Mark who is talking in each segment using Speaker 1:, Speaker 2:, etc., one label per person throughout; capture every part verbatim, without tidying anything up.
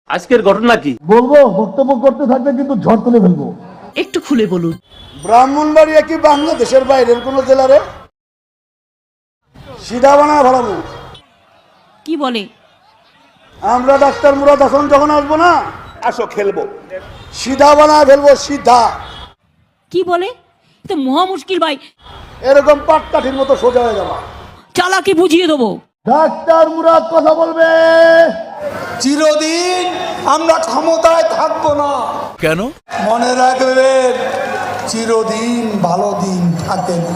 Speaker 1: আজকের ঘটনা কি
Speaker 2: বলবো? বক্তব্য করতে থাকলে কিন্তু ঝড় তুলে ফেলবো।
Speaker 3: একটু খুলে বলুন।
Speaker 2: ব্রাহ্মণবাড়িয়া কি বাংলাদেশের বাইরের কোন জেলারে? সিধা বানা ভালো।
Speaker 3: কি বলে?
Speaker 2: আমরা ডাক্তার মুরাদ হাসান যখন আসবো না,
Speaker 4: আসো খেলবো,
Speaker 2: সিধা বানা ফেলবো, সিধা।
Speaker 3: কি বলে? তো মহা মুশকিল ভাই,
Speaker 2: এরকম পাটকাঠির মতো সোজা হয়ে যাবা।
Speaker 3: চালাকি বুঝিয়ে দেবো।
Speaker 2: ডাক্তার মুরাদ কথা বলবে।
Speaker 5: চিরদিন আমরা ক্ষমতায় থাকবো না।
Speaker 6: কেন?
Speaker 5: মনে রাখবেন, চিরদিন ভালো দিন থাকে না।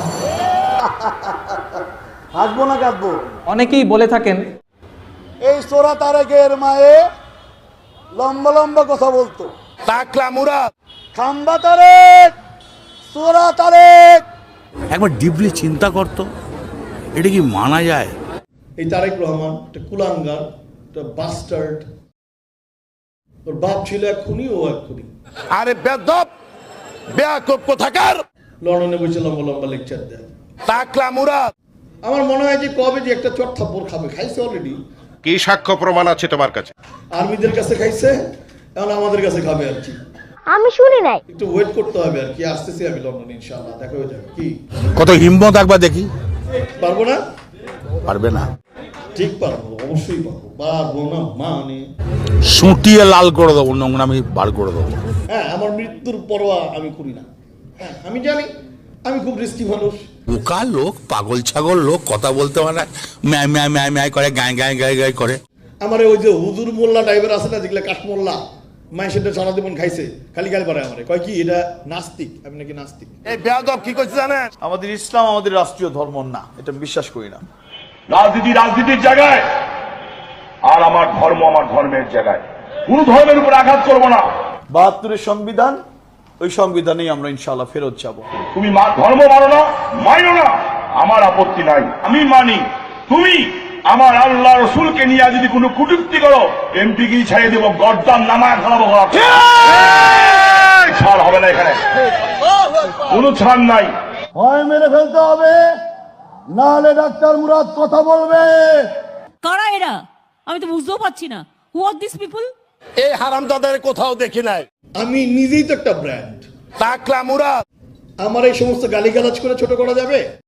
Speaker 2: হাসবো না কাঁদবো?
Speaker 7: অনেকেই বলে থাকেন
Speaker 2: এই সোরা তারেকের মায়ে লম্বা লম্বা কথা বলতো।
Speaker 4: টাকলা মুরাদ,
Speaker 2: খাম্বা তারেক, সোরা তারেক।
Speaker 6: একবার ডিপলি চিন্তা করতো, এটা কি মানা যায়?
Speaker 8: এই তারেক রহমান একটা কুলাঙ্গার, একটা বাস্টার্ড। ওর বাপ ছিল এক খুনি, ও এক খুনি।
Speaker 4: আরে বেদব বেয়াকুব কোথাকার,
Speaker 8: লন্ডনে বসে লম্বা লম্বা লেকচার দেয়।
Speaker 4: টাকলা মুরাদ।
Speaker 8: আমার মনে হয় যে কবে যে একটা চট থাপ্পড় খাবে, খাইছে অলরেডি।
Speaker 4: কি সাক্ষ্য প্রমাণ আছে তোমার কাছে?
Speaker 8: আর্মিদের কাছে খাইছে, এখন আমাদের কাছে খাবে আর কি।
Speaker 9: আমি শুনি নাই।
Speaker 8: একটু ওয়েট করতে হবে আর কি। আসতেছি আমি লন্ডনে, ইনশাআল্লাহ দেখা হয়ে যাবে। কি
Speaker 6: কত হিম্মত একবার দেখি।
Speaker 8: পারবো না?
Speaker 6: পারবে না?
Speaker 8: ঠিক পারবো, অবশ্যই পারবো। পারবো না মানে
Speaker 6: সুটিয়ে লাল করে দেবো, নোংরামি বার করে দেবো।
Speaker 8: হ্যাঁ, আমার মৃত্যুর পরোয়া আমি করি না। হ্যাঁ, আমি জানি আমি খুব রিস্কি মানুষ।
Speaker 6: বোকা লোক, পাগল ছাগল লোক, কথা বলতে পারে, ম্যায় ম্যায় ম্যায় ম্যায় করে, গায়ে গায়ে গায়ে গায়ে করে।
Speaker 8: আমার ওই যে হুজুর মোল্লা টাইপের আছে না, যেগুলো কাঠমোল্লা, মায়ের সেটা সারা জীবন খাইছে, খালি গালি পারে আমারে, কয় কি এটা নাস্তিক, আমি নাকি নাস্তিক।
Speaker 4: এই বেয়াদব কি করছে জানেন?
Speaker 10: আমাদের ইসলাম আমাদের রাষ্ট্রীয় ধর্ম না, এটা বিশ্বাস করি না।
Speaker 4: রাজনীতি রাজনীতির জায়গায়, আর আমার ধর্ম আমার ধর্মের জায়গায়। কোন ধর্মের উপর আঘাত করবো না।
Speaker 10: বাহাত্তরের সংবিধান, ওই সংবিধানেই আমরা ইনশাআল্লাহ ফেরত যাব।
Speaker 4: তুমি মা ধর্ম মানো না, মানো না, আমার আপত্তি নাই, আমি মানি। তুমি আমার আল্লাহ রসুলকে নিয়ে যদি কোনো কুটুক্তি করো, এমপি কি ছাড়িয়ে দেবো, গর্দান নামায় ফেলাবো। ছাড় হবে না এখানে, কোনো ছাড় নাই।
Speaker 2: হয় মেরে ফেলতে হবে, নাহলে ডাক্তার মুরাদ কথা বলবে।
Speaker 3: কারা এরা? আমি তো বুঝতেও পারছি না। Who are this people?
Speaker 4: এই হারামজাদাদের কোথাও দেখি নাই।
Speaker 8: আমি নিজেই তো একটা ব্র্যান্ড।
Speaker 4: টাকলা মুরাদ।
Speaker 8: আমার এই সমস্ত গালিগালাজ করে ছোট করা যাবে?